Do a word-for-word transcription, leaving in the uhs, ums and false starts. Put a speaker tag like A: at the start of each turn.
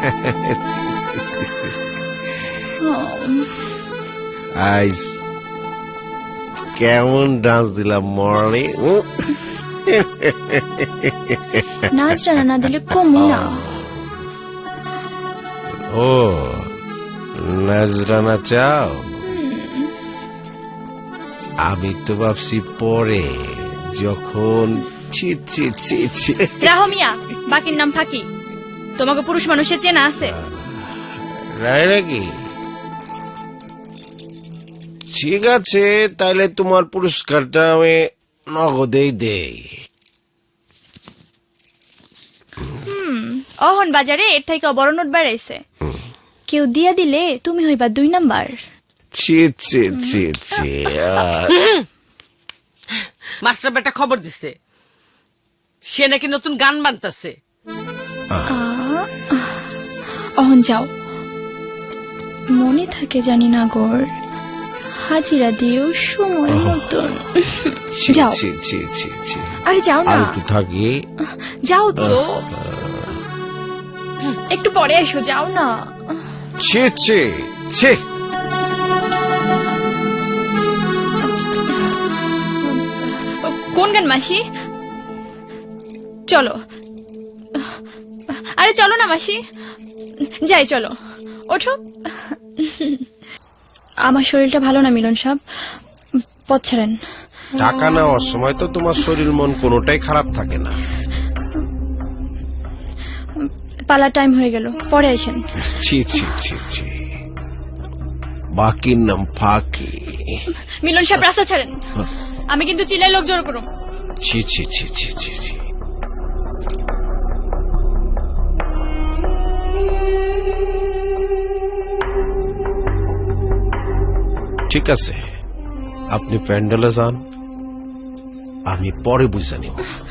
A: আইস কেমন ডান্স দিলাম মরলি?
B: নাচরা না দিলে কমই না।
A: ও নাজরানা চাও? আমি তো ভাবছি পরে যখন ছি ছি ছি ছি।
B: রাহো মিয়া, বাকির নাম ফাঁকি। তোমাকে পুরুষ মানুষের চেনা আছে?
A: রায় নাকি? ঠিক আছে, তাইলে তোমার পুরস্কারটা আমি নগদেই দেই।
B: অহন বাজারে এর থেকে বড় নোট বেড়াইছে, কেউ দিয়া দিলে তুমি হইবা দুই নাম্বার।
A: ছি ছি ছি ছি।
C: মাস্টার বেটা খবর দিছে, সে নাকি নতুন গান বানতাছে।
B: অহন যাও, মনে থাকে জানি না গোর, হাজিরা দিও সময় মতন। যাও।
A: ছি ছি ছি ছি।
B: আরে যাও না,
A: আর একটু থাকি।
B: যাও তো, একটু পরে এসো, যাও না।
A: ছি ছি ছি।
B: কোন গান মাসি? চলো, আরে চলো না মাসি, যাই চলো, ওঠো। আমার শরীরটা ভালো না মিলন সাহেব, পথ ছাড়েন।
A: টাকা নেওয়ার সময় তো তোমার শরীর মন কোনোটাই খারাপ থাকে না।
B: পালা টাইম হয়ে গেল, পরে আসেন।
A: ছি ছি ছি ছি। বাকির নাম ফাঁকি।
B: মিলন সাহেব রাস্তা ছাড়েন, আমি কিন্তু চিল্লাই লোক জড়ো করুন।
A: ছি ছি ছি ছি ছি ছি। ঠিক আছে, আপনি প্যান্ডেলে যান, আমি পরে বুঝে নিব।